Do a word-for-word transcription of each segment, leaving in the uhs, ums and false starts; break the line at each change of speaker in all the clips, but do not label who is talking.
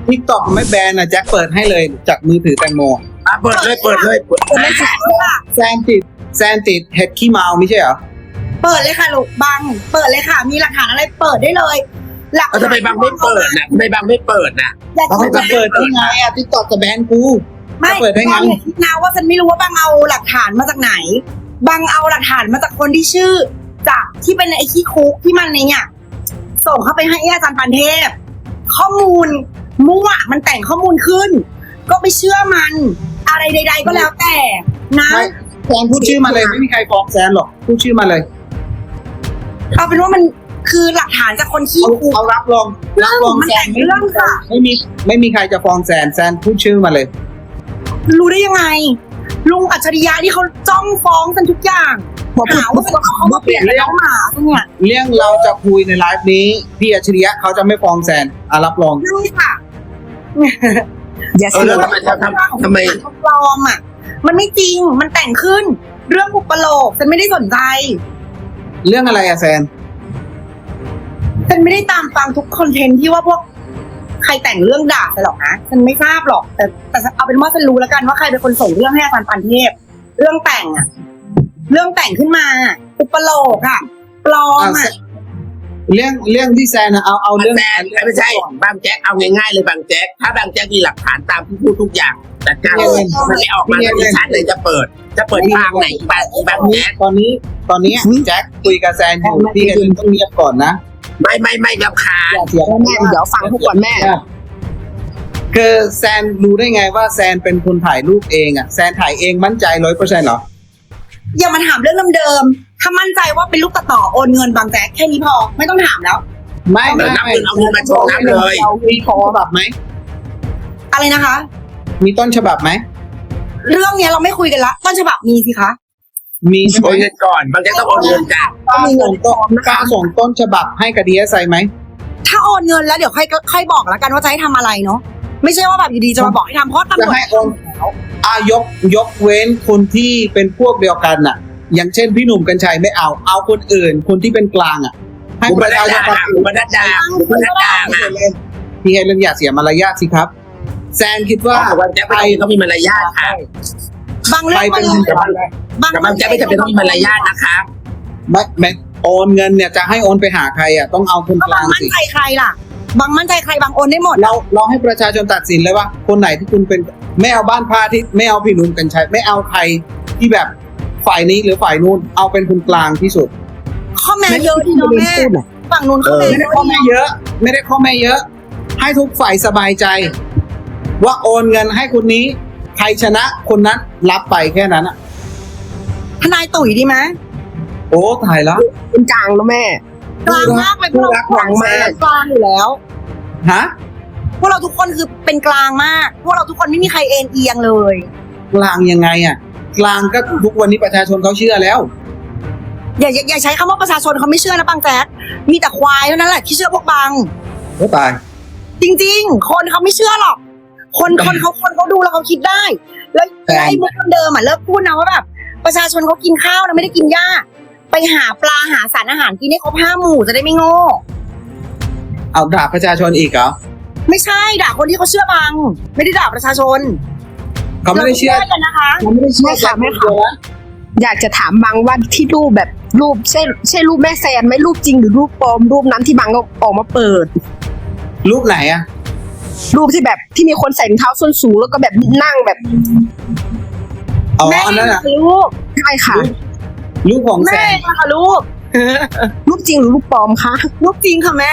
ทิกตอกไม่แบนนะแจ็คเปิดให้เลยจากมือถือแตงโม
อ่ะเปิดเลยเปิดเลยเปิด
ไม่ใช่ค่ะ
แซนติดแซนติดเห็ดขี้เมาไม่ใช่เหรอ
เปิดเลยค่ะลูกบังเปิดเลยค่ะ มีหลักฐานอะไรเปิดได้เลยหลัก
เอาทำไมบางไม่เปิดนะทำไมบางไม่เปิดนะ
อยาก
เขาจะเปิดได้ไงอ่ะทิกตอกจะแบนกู
ไม่
จะเปิดได้ไง
บังอย่าคิดนะว่าฉันไม่รู้ว่าบังเอาหลักฐานมาจากไหนบังเอาหลักฐานมาจากคนที่ชื่อจากที่เป็นไอ้ขี้คุกที่มันในเนี่ยส่งเข้าไปให้อาจารย์ปันเทพข้อมูลมั่วมันแต่งข้อมูลขึ้น ก็ไปเชื่อมันอะไรใด ๆ ก็แล้วแต่นะ
ไม่แซนพูดชื่อมาเลยไม่มีใครฟ้องแซนหรอกพูดชื่อมาเลย
เอาเป็นว่ามันคือหลักฐานจากคนขี้
เขา
คุก
เขารับรองรับรอง
มัน
แซ
แต่
น
งเรื่องค่ะ
ไม่มีไม่มีใครจะฟ้องแซนแซนพูดชื่อมาเลย
รู้ได้ยังไง ลุงอัจฉริยะที่เขาจ้องฟ้องกันทุกอย่างหาว่าเป็นเขามาเปลี่ยนน้องหมาเนี่ย
เรื่องเราจะคุยในไลฟ์นี้พี่อัจฉริยะเขาจะไม่ฟ้องแซนอ่ะรับรอง
นี่ค่ะ
อย่า
เออ
เสีย
แล้วทำไมทำทำทำไม
เขาปลอมอ่ะ มันไม่จริงมันแต่งขึ้น เรื่องอุปโลกฉันไม่ได้สนใจ
เรื่องอะไรอะแซน
ฉันไม่ได้ตามฟังทุกคอนเทนต์ที่ว่าพวกใครแต่งเรื่องด่าไปหรอกนะฉันไม่ทราบหรอก แต่แต่เอาเป็นว่าฉันรู้แล้วกันว่าใครเป็นคนส่งเรื่องให้อาจารย์ปันเทพเรื่องแต่งอ่ะ เรื่องแต่งขึ้นมา อุปโลกอ่ะ ปลอมอ่ะ
เรื่องเรื่องที่แซนอะเอาเอาเรื่อง
แซนไม่ใช่บางแจ๊กเอาง่ายๆเลยบางแจ๊กถ้าบางแจ๊กมีหลักฐานตามที่พูดทุกอย่างจัดการเลยมันไม่ออกมาในชั้นเลยจะเปิด จะเปิดทางไหนบางบางแจ๊ก
ตอนนี้ตอนนี้แจ็คคุยกับแซนอยู่พี่กันต้องเงียบก่อนนะ
ไม่ไม่ไม่รำคาญ
อย่าเสียง
แม่เดี๋ยวฟังทุกคนแม่
คือแซนรู้ได้ไงว่าแซนเป็นคนถ่ายรูปเองอะแซนถ่ายเองมั่นใจร้อยเปอร์เซ็นต์เหรอ
อย่ามาถามเรื่องเดิมๆถ้ามั่นใจว่าเป็นลูกตัดต่อโอนเงินบางแจ๊กแค่นี้พอไม่ต้องถามแล้ว
ไม่
เอา
ไม่
เงิน
ไม่
เอาเงินมาโชว์น้ำเลย
มีต้นฉบับไหม
อะไรนะคะ
มีต้นฉบับไหม
เรื่องเนี้ยเราไม่คุยกันละต้นฉบับมีสิคะ
มีใช่ไหม
โอนเงินก่อนบางแจ๊กต้องโอนเงินจ้ะ
กล้าส่งต้นกล้าส่งต้นฉบับให้กับดีเอสไอไหม
ถ้าโอนเงินแล้วเดี๋ยวค่อยค่อยบอกแล้วกันว่าจะให้ทำอะไรเนาะไม่ใช่ว่าแบบอยู่ดีจะมาบอกให้ทำเพราะตำร
จะ
วจ
ให้โอนอายกยกเว้นคนที่เป็นพวกเดียวกันน่ะ อย่างเช่นพี่หนุ่มกัญชัยไม่เอา เอาคนอื่น คนที่เป็นกลางอ่ะ ให้
บุ
ป
ประ
ชา
ดา
ชน
บุประดาบุประดาอ่ะ
พี่ให้เรื่องอย่าเสียมารยาทสิครับ แซนคิดว่า
บางแจ๊กไม่ต้องมีมารยาทค่ะ
บางเรื่
ใคร
อง
เป็น
มัน
คนกลาง
บาง
กับบางแจ๊กไม่จำเป็นต้องมีมารยาทนะคะ
ไม่ไม่โอนเงินเนี่ยจะให้โอนไปหาใครอ่ะต้องเอาคน
ก็
ก
บา
ลาง ง
มั่น
สิ
ใจใครล่ะ บางมั่นใจใครบางโอนได้หมด
เราเราให้ประชาชนตัดสินเลยว่าคนไหนที่คุณเป็นไม่เอาบ้านพาทิตย์ไม่เอาพี่หนุ่มกัญชัยไม่เอาใครที่แบบฝ่ายนี้หรือฝ่ายนู้นเอาเป็นคนกลางที่สุด
ข้อแม้เยอะที่น้องแม่ฝั่งนู้นข้อแม้
ไม่
เย
ได้
อะ
ข้อแม่เยอะ ไม่ได้ข้อแม่เยอะ ให้ทุกฝ่ายสบายใจ ว่าโอนเงินให้คนนี้ ใครชนะคนนั้นรับไปแค่นั้นอ่ะ
ทนายตุ๋ยดีไหม
โอ้ถ่ายแล้ว
เป็นกลางแล้วแม่
กลางมากเลยพวก
ผู้
เรา
รักหวังมาก
กลางอยู่แล้ว
ฮะ
พวกเราทุกคนคือเป็นกลางมาก พวกเราทุกคนไม่มีใครเอ็นเอียงเลย
กลางยังไงอ่ะ กลางก็ทุกวันนี้ประชาชนเขาเชื่อแล้ว
อย่าอย่าอย่าใช้คำว่าประชาชนเขาไม่เชื่อนะบางแจ๊กมีแต่ควายเท่านั้นแหละที่เชื่อพวกบาง
โอ้ตาย
จริงๆ คนเขาไม่เชื่อหรอก คนคนเขาคนเขาดูแล้วเขาคิดได้ แล้ว
แต่
ไอ้มุกเดิมอ่ะเลิกพูดนะว่าแบบประชาชนเขากินข้าวนะไม่ได้กินหญ้า ไปหาปลาหาสารอาหารกินให้ครบห้าหมู่จะได้ไม่โง่
เอาด่าประชาชนอีกเหรอ
ไม่ใช่ด่าคนที่เขาเชื่อบาง ไม่ได้ด่าประชาชน
เขาไม่ได้เชื่อ
รากันนะคะ
เขาไม่ได้เชื่อ
ไม่ค่ะไม่ค่ะ อยากจะถามบางว่าที่รูปแบบรูปใช่ใช่รูปแม่แซนไหมรูปจริงหรือรูปปลอมรูปนั้นที่บางก็ออกมาเปิด
รูปไหนอ่ะ
รูปที่แบบที่มีคนใส่รองเท้าส้นสูงแล้วก็แบบนั่งแบบ
อ๋อ
แม่
อันนั้นอ่ะ
ลูก
ใช่ค่ะ
รูปของแซ
แม่
น
ค่ะลูก
รูปจริงหรือรูปปลอมคะ
ลูกจริงค่ะแม่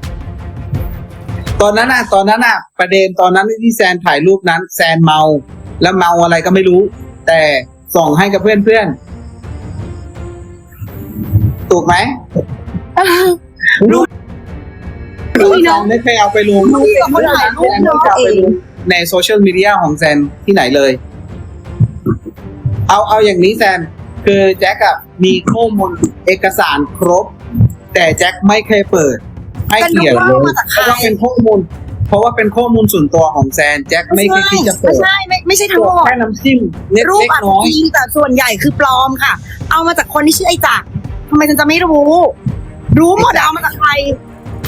ตอนนั้นน่ะ ตอนนั้นน่ะ ประเด็นตอนนั้นที่แซนถ่ายรูปนั้น แซนเมา แล้วเมาอะไรก็ไม่รู้ แต่ส่งให้กับเพื่อนเพื่อนๆถูกไหม
รูป
รูปแซนไม่เคยเอาไปลง
รูปกับคนถ่ายรูป
แซนไม่เคยเอาไปลงในโซเชียลมีเดียของแซนที่ไหนเลย เอาเอาอย่างนี้แซน คือแจ็คอะมีข้อมูลเอกสารครบ แต่แจ็คไม่เคยเปิด ให้เกียรติเลย
มาจาก
เพ
ใคร
ราะว่าเป็นข้อมูล เพราะว่าเป็นข้อมูลส่วนตัวของแซนแจ็คไม่เคยที่จะ
ไม่
เปิด
ใช่ไม่ไม่ใช่ทั้งหมด
แค่น้ำจิ้มเล็ก
รูป
เล็ก
อาจ
น้
จะ
อย
จริงแต่ส่วนใหญ่คือปลอมค่ะ เอามาจากคนที่ชื่อไอ้จักรทำไมฉันจะไม่รู้ รู้หมดอะเอามาจากใคร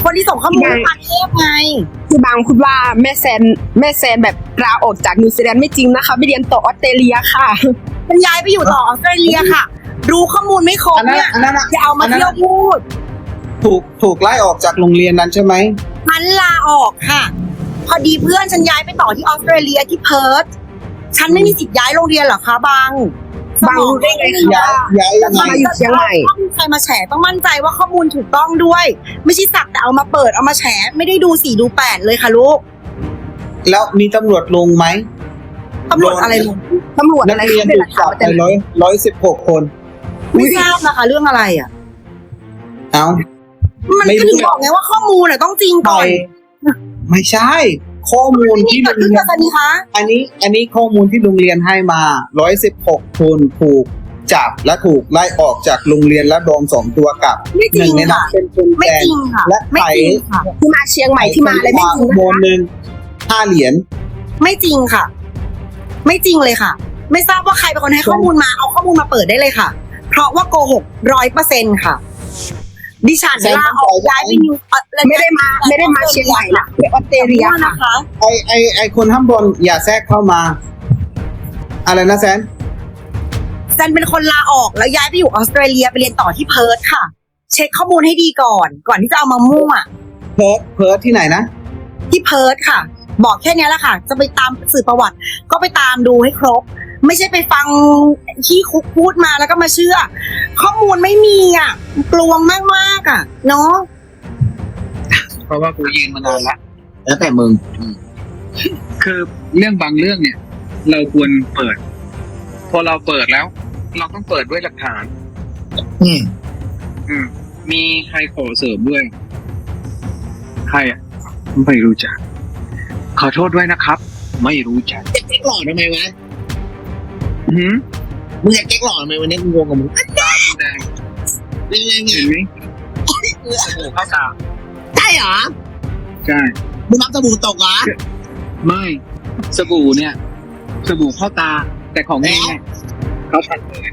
คนที่ส่งข้อมูลให้ปานเทพไง
ที่บางพูดว่าแม่แซนแม่แซนแบบลาออกจากนิวซีแลนด์ไม่จริงนะคะไปเรียนต่อออสเตรเลียค่ะ
มันย้ายไปอยู่ต่อออสเตรเลียค่ะ รู้ข้อมูลไม่ครบ
อันนั้น
เนี่ย
อันนั้นอะ
อย่าเอามา
อันนั้น
เที่ยวพูด
ถูกถูกไล่ออกจากโรงเรียนนั้นใช่ไหม
ฉันลาออกค่ะ พอดีเพื่อนฉันย้ายไปต่อที่ออสเตรเลียที่เพิร์ธฉันไม่มีสิทธิ์ย้ายโรงเรียนเหรอคะบาง
บางรู้ได้ไงคะ
ย้ายย้ายยังไง
มาอยู่เชียงใหม่
ต้องมีใครมาแฉต้องมั่นใจว่าข้อมูลถูกต้องด้วย ไม่ใช่สักแต่เอามาเปิดเอามาแฉไม่ได้ดูสี่ดูแปดเลยค่ะลูก
แล้วมีตำรวจลงไหม
ตำรวจอะไรลง
ตำรวจ
นั
อะ
ก
ไร
เรียน
เป็น
ถู
หลั
ก
กฐา
จั
น
บ
มา
ไป
จากไหน
ร้อยร้อยสิบหกคน
ไม่ทราบนะคะเรื่องอะไรอ่ะ
เอ้า
มัน
ไม่
ก็
รู้
ถึงบอกไงว่าข้อมูลน่ะต้องจริง
ไป
ก่อน
ไม่ใช่ ข้อมูล
นี่
ที่
เกิ
โร
ด
ง
ขึ้น
เรีย
กัน บสันนิคะ
อันนี้ อันนี้ข้อมูลที่โรงเรียนให้มาร้อยสิบหกคนถูกจับและถูกไล่ออกจากโรงเรียนและโดนสองตัวกลับ
ไม่
ห
จริ
นึ่
ง
งในนั้
ค่ะ
นเป็นคุณ
ไม่
แจ
จริงค่ะ
และ
ไม่
ไข่
จริงค่ะ
ที่มาเชียงใหม่ที่มาอะไรไม่จริง
โม
นะคะ
หนึ่งห้าเหรียญ
ไม่จริงค่ะ ไม่จริงเลยค่ะ ไม่ทราบว่าใครเป็นคนให้ข้อมูลมาเอาข้อมูลมาเปิดได้เลยค่ะ เพราะว่าโกหกร้อยเปอร์เซ็นต์ค่ะ ดิฉันลาออกย้ายไปนิวเอ่อ
ไม่ได้มาไม่ได้มาเชียงใหม่นะไปออสเตรเลียค่ะ
นะคะ
ไอไอไอคนข้างบนอย่าแทรกเข้ามา อะไรนะแซน
แซนเป็นคนลาออกแล้วย้ายไปอยู่ออสเตรเลียไปเรียนต่อที่เพิร์ธค่ะ เช็คข้อมูลให้ดีก่อน ก่อนที่จะเอามามั่ว
เพิร์ทเพิร์ทที่ไหนนะ
ที่เพิร์ธค่ะ บอกแค่นี้แหละค่ะ จะไปตามสื่อประวัติ ก็ไปตามดูให้ครบ ไม่ใช่ไปฟังขี้คุกพูดมาแล้วก็มาเชื่อ ข้อมูลไม่มีอ่ะกลวงมากมากๆอ่ะเนาะ
เพราะว่ากูยืนมานานละ
แล้วแต่มึง
คือเรื่องบางเรื่องเนี่ย เราควรเปิด พอเราเปิดแล้ว เราต้องเปิดด้วยหลักฐาน
อืม
อืม มีใครขอเสริมด้วย ใครอ่ะ ไม่รู้จัก ขอโทษด้วยนะครับ ไม่รู้จัก
จะเก๊กหล่อทำไมวะ
หืม
มึงจะเก๊กหล่อทำไมวันนี้กูงงกับมึง
ตาแดง
ยังไงไง
เห็นไหมโอ้โหเข้าตา
ใช่เหรอ
ใช่
มึงรับสบู่ตกเหรอ
ไม่ สบู่เนี่ย สบู่เข้าตา แต่ของนี่เนี่ยเขาตัดเลย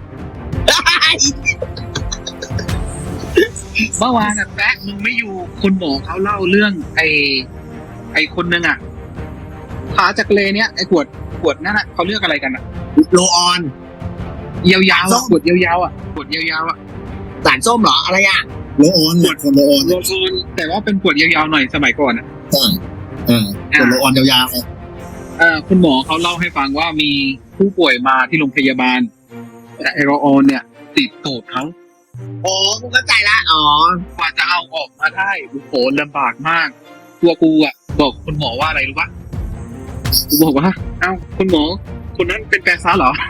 เมื่อวานอะแป๊ะมึงไม่อยู่คุณหมอเขาเล่าเรื่อง ไอ้ไอ้คนนึงอะขาจากเลเนี่ยไอ้ขวดขวดนั่นอะเขาเรียกอะไรกันอะ
โลออน
ยาวๆ
ส้
อะ
ม
ขวดยาวๆอะขวดยาวๆอะ
สารส้มเหรออะไรอ่ะ
โลออนเนี่ยคนโลออน
โลโซนแต่ว่าเป็นขวดยาวๆหน่อยสมัยก่อนอะ
ใช่เออคนโลออนยาวๆ
เออคุณหมอเขาเล่าให้ฟังว่ามีผู้ป่วยมาที่โรงพยาบาล แต่ไอโรออนเนี่ย ติดตูดเขา
อ๋อกูเข้าใจละอ๋อ
กว่าจะเอาออกมาได้โอ้โหลำบากมาก ตัวกูอ่ะ บอกคุณหมอว่าอะไรรู้ปะกูบอกว่า เอ้าคุณหมอ คนนั้นเป็นแปรซ้าเหรอ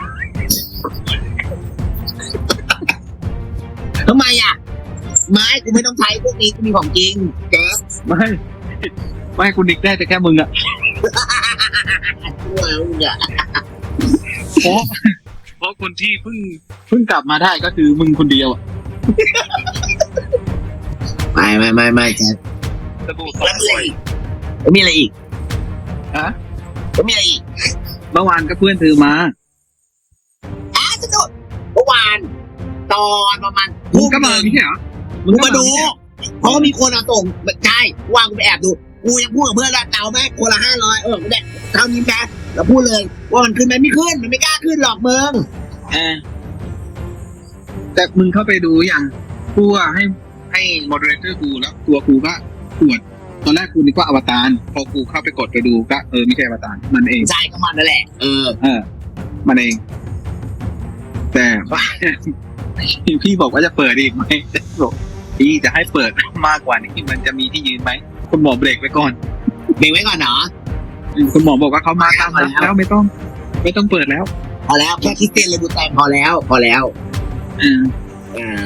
ทำไมอ่ะ ไม่กูไม่ต้องใช้พวกนี้กูมีของจริงเจ๊
ไม่ ไม่คุณนิกได้แต่แค่มึงอ่ะ
กูเอามึงอ่ะ
เพราะ เพราะคนที่เพิ่งเพิ่งกลับมาได้ก็คือมึงคนเดียวอ่ะ
ไม่ไม่ไม่ไม่แจ๊ค
สบู่สองขวด
แล้วมีอะไรอีก
ฮะ
แล้วมีอะไรอีก
เมื่อวานก็เพื่อนเธอมา
อ่ะสนุกเมื่อวาน ตอนประมาณ
มึงก็มาไม่ใช่เหรอ
มึงมาดู เพราะว่ามีคนเอาส่งใช่ว่างกูไปแอบดู กูยังพูดกับเพื่อนละเตาแม่คนละห้าร้อยเออกูได้เท่านี้แม่แล้วพูดเลย ว่ามันขึ้นไหมไม่ขึ้น มันไม่กล้าขึ้นหรอกมึง
เออแต่มึงเข้าไปดูอย่างกูอะให้ให้โมเดเลเตอร์กูแล้วตัวกูก็ปวดตอนแรกกูนึกว่าอวตารพอกูเข้าไปกดไปดูก็เออไม่ใช่อวตารมันเอง
ใช่ก็มันนั่นแหละ เออ
เออ มันเอง แต่ว่า พี่บอกว่าจะเปิดอีกไหมบอกพี่จะให้เปิดมากกว่านี้มันจะมีที่ยืนไหมคุณหมอเบรกไว้ก่อน
เบรกไว้ก่อนเนาะ
คุณหมอบอกว่าเขามาตามผมแล้วไม่ต้อง ไม่ต้องเปิดแล้ว
พอแล้วแค่คริสเตียนเลยดูแต่พอแล้ว พอแล้ว
เออ
อ่า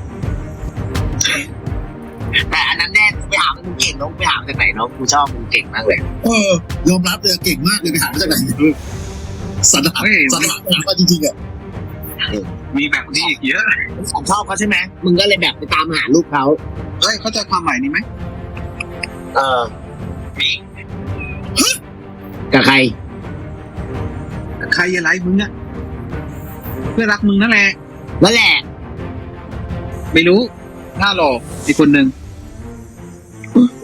แต่อันนั้นแน่ไปหามึงเก่งน้องไปหาจากไหนน้องกูชอบมึงเก่งมากเลย
เออยอมรับเลยเก่งมากเลยไปหามาจากไหนสันหา
เฮ้ย
สันหาไปหามาจริงๆอ่ะ
มีแบบนี้อีกเยอะ
ผมชอบเขาใช่ไหมมึงก็เลยแบบไปตามหาลูกเขา
เฮ้ยเข้าใจความหมายนี้ไหม
เออ
มี
กับใคร
ใครอะไรมึงอะเพื่อนรักมึงนั่นแหละ
นั่นแหละ
ไม่รู้หน้าหล่ออีกคนหนึ่ง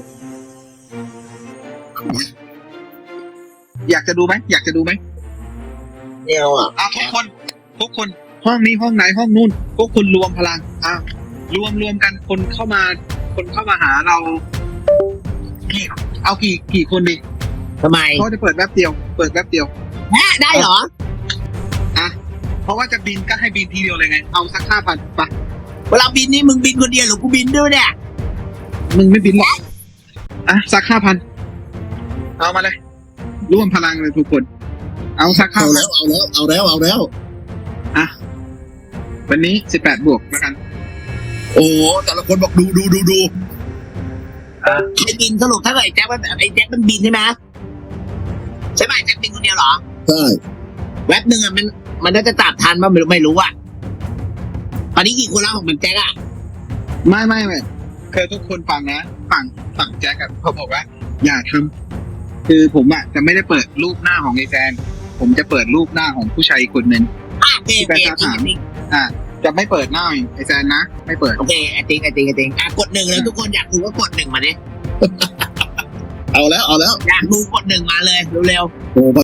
อยากจะดูไหมอยากจะดูไหม
ไม่เอาอ่ะ
อ่ะทุกคนทุกคนห้องนี้ห้องไหนห้องนู่นพวกคุณรวมพลังอ่ะรวมรวมกันคนเข้ามา คนเข้ามาหาเรากี่เอากี่กี่คนดี
ทำไม
เพราะจะเปิดแป๊บเดียว เปิดแป๊บเดียว
แม่ได้เหรอ
อ่ะเพราะว่าจะบินก็ให้บินทีเดียวเลยไงเอาสักห้าพันปะ
เวลาบินนี่มึงบินคนเดียวหรือกูบินด้วยเนี่ย
มึงไม่บินหรอกอ่ะสักห้าพันเอามาเลยร่วมพลังเลยทุกคน เอาสักห้า
เอา
พั
แล้
น
วเอาแล้วเอาแล้วเอาแล้ว
อ่ะวันนี้สิบแปดบวกแล้วกัน
โอ้แต่ละคนบอกดูดูดูดู
ใครบินสรุปถ้าเกิดไอ้แจ็คมันไอ้แจ็คมันบินใช่ไหมใช่ไหมแจ็คบินคนเดียวเหรอ
ใช่
แว็บหนึ่งอ่ะมันมันน่าจะจับทันป่ะไม่รู้ไม่รู้อ่ะตอนนี้กี่คนแล้วของมันแจ็คอ่ะ
ไม่ไม่ไม่คือทุกคนฟังนะฝั่งฝั่งแจ็คกับเขาบอกว่า อย่าทำคือผมอ่ะจะไม่ได้เปิดรูปหน้าของไอ้แฟนผมจะเปิดรูปหน้าของผู้ชายอีกคนหนึ่ง
อ่ะโอเคโอเค
ที่ไปถาม อ่ะจะไม่เปิดหน้าไอ้แฟนนะไม่เปิด
โอเคไอ้ติ๊งไอ้ติ๊งไอ้ติ๊งอ่ะกดหนึ่งเลยทุกคนอยากดูก็กดหนึ่งมาดิ
เอาแล้วเอาแล้ว
อยากดูกดหนึ่งมาเลยเร็วๆ
โอ้